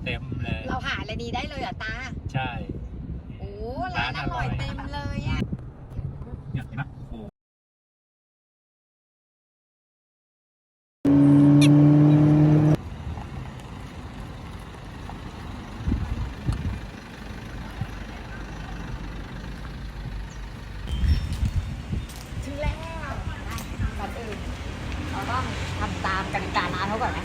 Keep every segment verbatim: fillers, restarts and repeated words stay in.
เต็มเลยเราหาอะไรดีได้เลยเหรอตาใช่โอ้ร้านอร่อยเต็มเลยอ่ะเนี่ยเห็นไหมโอ้ถึงแล้วก่อนอื่นเราต้องทำตามกติการ้านเขาก่อนนะ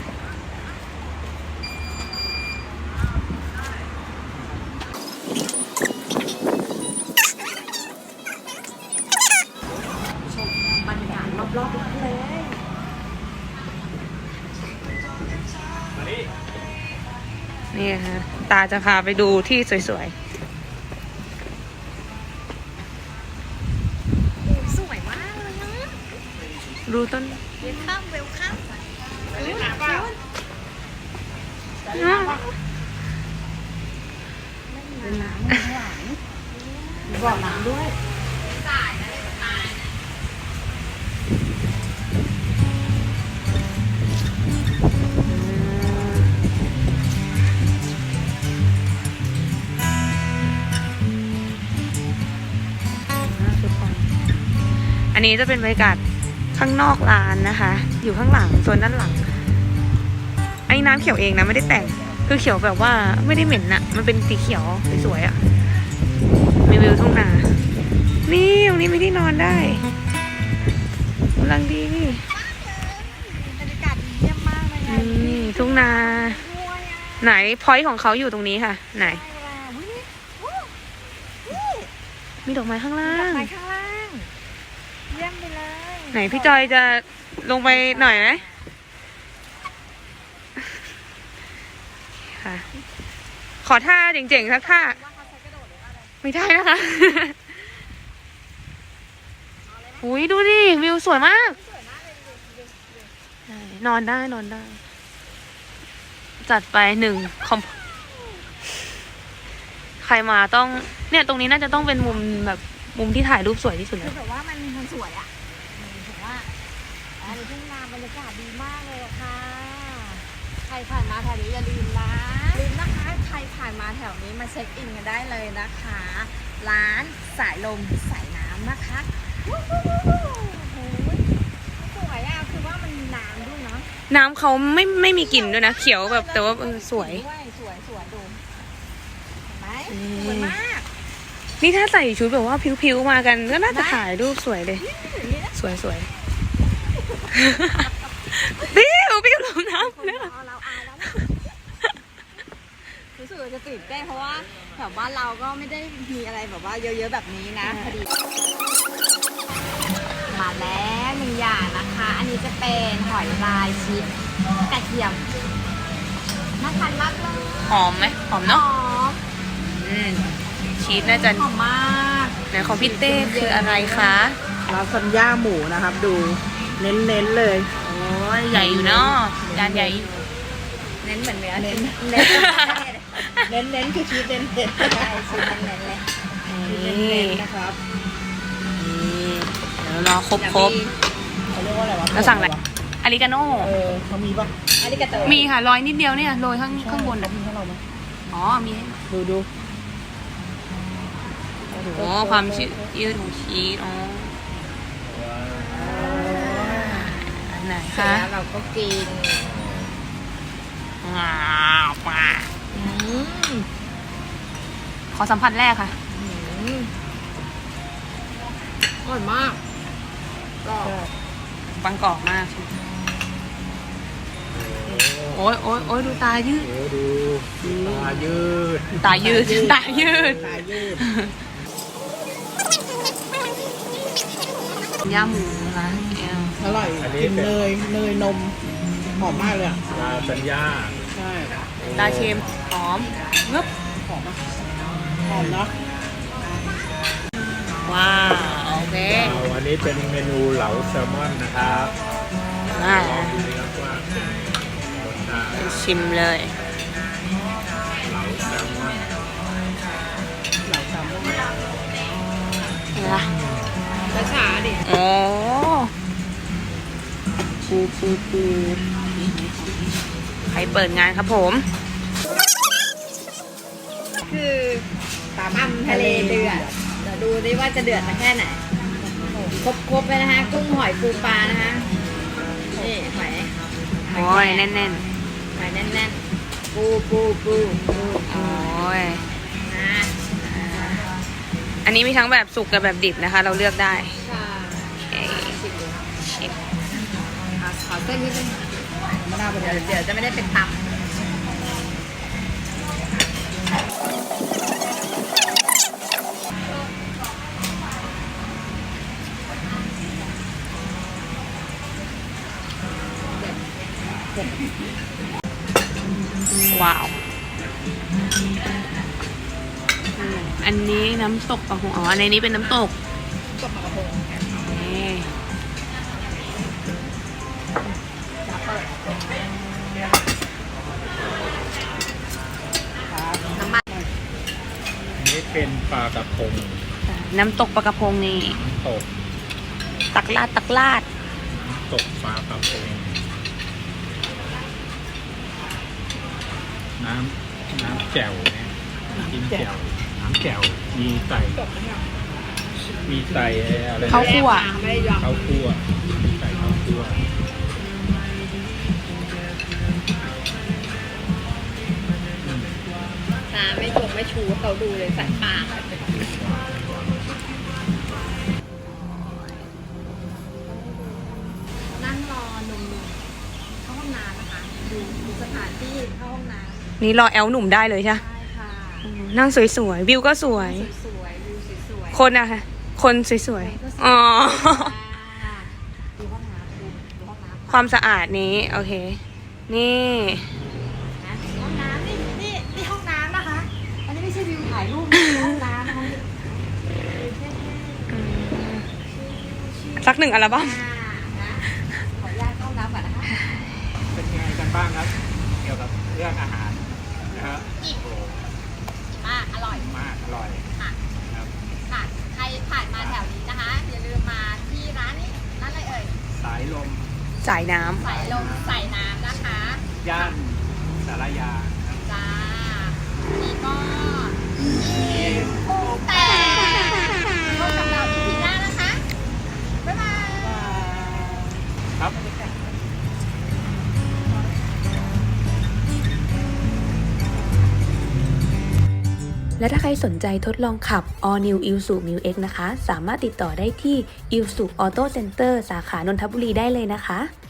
ชมบรรยากาศรอบๆร้านเลยนี่ค่ะตาจะพาไปดูที่สวยๆสวยมากเลยนะดูต้นเวลคัมเวลคัมคุณคุณเป็นน้ำข้างหลังมีบ่อน้ำด้วยอันนี้จะเป็นบรรยากาศข้างนอกร้านนะคะ อยู่ข้างหลังโซนด้านหลังไอ้น้ำเขียวเองนะไม่ได้แต่งคือเขียวแบบว่าไม่ได้เหม็นนะมันเป็นสีเขียวสวยๆอ่ะมีวิวทุ่งนานี่ตรงนี้มีที่นอนได้กำลังดีนี่บรรยากาศดีเยี่ยมมากเลยไงนี่ทุ่งนาไหนพอยต์ของเขาอยู่ตรงนี้ค่ะไหนมีดอกไม้ข้างล่างไปข้างล่างเยี่ยมไปเลยไหนพี่จอยจะลงไปหน่อยไหมค่ะขอท่าเจ๋งๆสักท่าไม่ได้นะคะอุ้ยดูดิวิวสวยมากนอนได้นอนได้จัดไปหนึ่งคอมใครมาต้องเนี่ยตรงนี้น่าจะต้องเป็นมุมแบบมุมที่ถ่ายรูปสวยที่สุดคืแล้อวแบบว่ามันมันสวยอ่ะถือว่าอันนี้ทุ่งนาบรรยากาศดีมากเลยค่ะ ใครผ่านมาแถวนี้อย่าลืมนะลืมนะคะใครผ่านมาแถวนี้มาเช็คอินกันได้เลยนะคะ ร้านสายลมสายน้ำนะคะวู้วู้วู้วู้โอ้โหสวยอ่ะคือว่ามันมีน้ำด้วยเนาะน้ำเขาไม่ไม่มีกลิ่นด้วยนะเขียวแบบแต่ว่าเออสวยสวยสวยดูเห็นไหมอืมสวยมากนี่ถ้าใส่ชุดแบบว่าผิวๆมากันก็น่าจะถ่ายรูปสวยเลยอย่างนี้นะสวยสวยปิ้วปิ้วลงน้ำเนี่ยเอาเราอายแล้วนะรู้สึกว่าจะตื่นเต้นเพราะว่าแถวบ้านเราก็ไม่ได้มีอะไรแบบว่าเยอะๆแบบนี้นะพอดีมาแล้วหนึ่งอย่างนะคะ อันนี้จะเป็นหอยลายชีสกระเทียมน่าทานมากเลยหอมไหมหอมหเนาะอมอืมชีสน่าจะหอมมากไหนของพี่เต้คืออะไรคะลาซานญ่าหมูนะครับดูเน้นๆเลยโอ้ยใหญ่อยู่เนาะจานใหญ่อยู่เน้นเหมือนเนื้อเน้นเน้นเน้นๆคือชีสเน้นๆใช่ชิ้นเน้นๆเลยเน้นๆนะครับนี่เดี๋ยวรอครบครบเขาเรียกว่าอะไรวะแล้วสั่งอะไรอาริกาโน่เออเขามีปะอาริกาโตมีค่ะโรยนิดเดียวเนี่ยโรยข้างข้างบนเขาอ่ะมีให้เราไหมอ๋อมีดูดูโอ้ความชื้นยืดของชีสอ๋ออันไหนเสร็จคะแล้วเราก็กินว้าวว้าอืมขอสัมผัสแรกค่ะอืมอร่อยมากก็บางกรอบมากใช่ไหมโอ้ยโอ้ยโอ้ยดูตายืดโหดูตายืดตายืด ตายืดตายืดย่าหมูนะคะแอลอร่อยกินเนยเนยนมหอมมากเลยอ่ะลาสัญญาใช่ตาเค็มหอมงึบหอมอ่ะหอมเนาะว้าวโอเคเอาอันนี้เป็นเมนูเหลาแซลมอนนะครับมาลองดูนะครับว่ารสชาติชิมเลยเหลาแซลมอนเหล่าสามรสนี่ละช้าๆดิโอ้ปูปูปูใครเปิดงานครับผมคือตำทะเลเดือด เดี๋ยวดูดิว่าจะเดือดสักแค่ไหน ครบๆไปนะคะ กุ้งหอยปูปลานะคะ นี่หอยโอ้ยแน่นหอยแน่นๆ ปูปูปูปูๆ โอ้ยนะอันนี้มีทั้งแบบสุกกับแบบดิบนะคะ เราเลือกได้ค่ะโอเคชิมดูชิมขอขอเส้นนิดนึงมะนาวเป็นเดี๋ยวเดี๋ยวจะไม่ได้เป็นตำว้าว อันนี้น้ำตกปลาหงอ๋ออันนี้เป็นน้ำตกตกปลากระพงนี่น้ำมันอันนี้เป็นปลากระพงน้ำตกปลากระพงนี่ตกตักลาดตักลาดตกปลากระพงน้ำน้ำแจ่วเนี่ยกินแจ่วน้ำแจ่วมีใส่มีใส่อะไรนะข้าวคั่วไม่ได้ยอมข้าวคั่วมีใส่ข้าวคั่วตาไม่ชมไม่ชูเขาดูเลยใส่ปากนั่งรอหนุ่มๆเข้าห้องน้ำนะคะ ดูดูสถานที่เข้าห้องน้ำนี่รอแอลหนุ่มได้เลยใช่ไหมใช่ค่ะนั่งสวยๆ วิวก็สวยสวยๆดูสวยๆคนอะค่ะ คนสวยๆ อ๋อดูห้องน้ำดูดูห้องน้ำความสะอาดนี้ โอเค นี่นะห้องน้ำนี่นี่นี่ห้องน้ำนะคะ อันนี้ไม่ใช่วิวถ่ายรูปนะห้องน้ำนะคะสักหนึ่งอัลบั้มอ่านะขออนุญาตเข้าห้องน้ำก่อนนะคะเป็นยังไงกันบ้างครับ เกี่ยวกับเรื่องอาหารนะครับโอ้มากอร่อยมากอร่อยค่ะครับค่ะ ใครผ่านมาแถวนี้นะคะ อย่าลืมมาที่ร้านนี้ ร้านอะไรเอ่ยสายลมจ่ายน้ใส่ลมใส่น้ำนะคะย่านสารยาครับจ้า นี่ก็อีปูแต่พบกับเราอีพีหน้านะคะ บ๊ายบายครับำ และถ้าใครสนใจทดลองขับ All New Isuzu Mu X นะคะ สามารถติดต่อได้ที่ Isuzu Auto Center สาขานนทบุรีได้เลยนะคะ